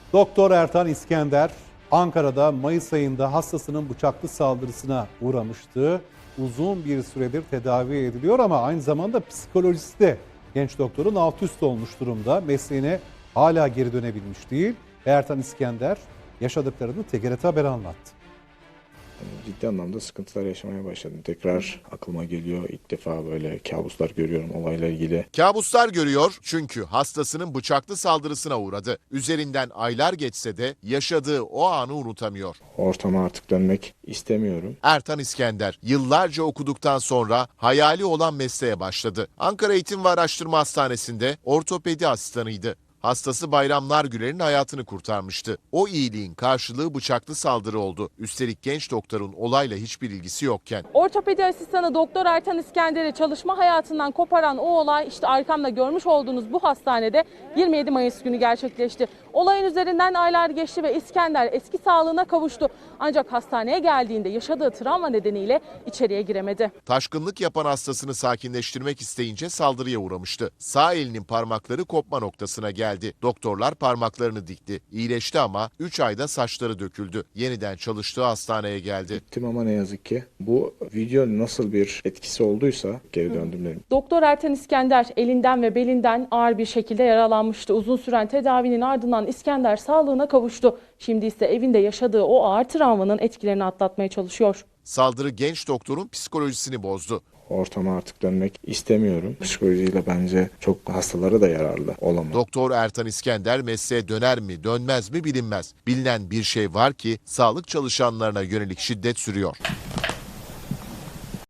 Doktor Ertan İskender, Ankara'da Mayıs ayında hastasının bıçaklı saldırısına uğramıştı. Uzun bir süredir tedavi ediliyor ama aynı zamanda psikolojisi de genç doktorun alt üst olmuş durumda. Mesleğine hala geri dönebilmiş değil. Ertan İskender yaşadıklarını TGRT Haber anlattı. Ciddi anlamda sıkıntılar yaşamaya başladım. Tekrar aklıma geliyor. İlk defa böyle kabuslar görüyorum olayla ilgili. Kabuslar görüyor çünkü hastasının bıçaklı saldırısına uğradı. Üzerinden aylar geçse de yaşadığı o anı unutamıyor. Ortama artık dönmek istemiyorum. Ertan İskender yıllarca okuduktan sonra hayali olan mesleğe başladı. Ankara Eğitim ve Araştırma Hastanesi'nde ortopedi asistanıydı. Hastası Bayram Nargüler'in hayatını kurtarmıştı. O iyiliğin karşılığı bıçaklı saldırı oldu. Üstelik genç doktorun olayla hiçbir ilgisi yokken. Ortopedi asistanı Doktor Ertan İskender'i çalışma hayatından koparan o olay işte arkamda görmüş olduğunuz bu hastanede 27 Mayıs günü gerçekleşti. Olayın üzerinden aylar geçti ve İskender eski sağlığına kavuştu. Ancak hastaneye geldiğinde yaşadığı travma nedeniyle içeriye giremedi. Taşkınlık yapan hastasını sakinleştirmek isteyince saldırıya uğramıştı. Sağ elinin parmakları kopma noktasına geldi. Doktorlar parmaklarını dikti. İyileşti ama 3 ayda saçları döküldü. Yeniden çalıştığı hastaneye geldi. Gittim ama ne yazık ki bu video nasıl bir etkisi olduysa geri döndüm dedim. Doktor Ertan İskender elinden ve belinden ağır bir şekilde yaralanmıştı. Uzun süren tedavinin ardından İskender sağlığına kavuştu. Şimdi ise evinde yaşadığı o ağır travmanın etkilerini atlatmaya çalışıyor. Saldırı genç doktorun psikolojisini bozdu. Ortama artık dönmek istemiyorum. Psikolojiyle bence çok hastalara da yararlı olamaz. Doktor Ertan İskender mesleğe döner mi dönmez mi bilinmez. Bilinen bir şey var ki sağlık çalışanlarına yönelik şiddet sürüyor.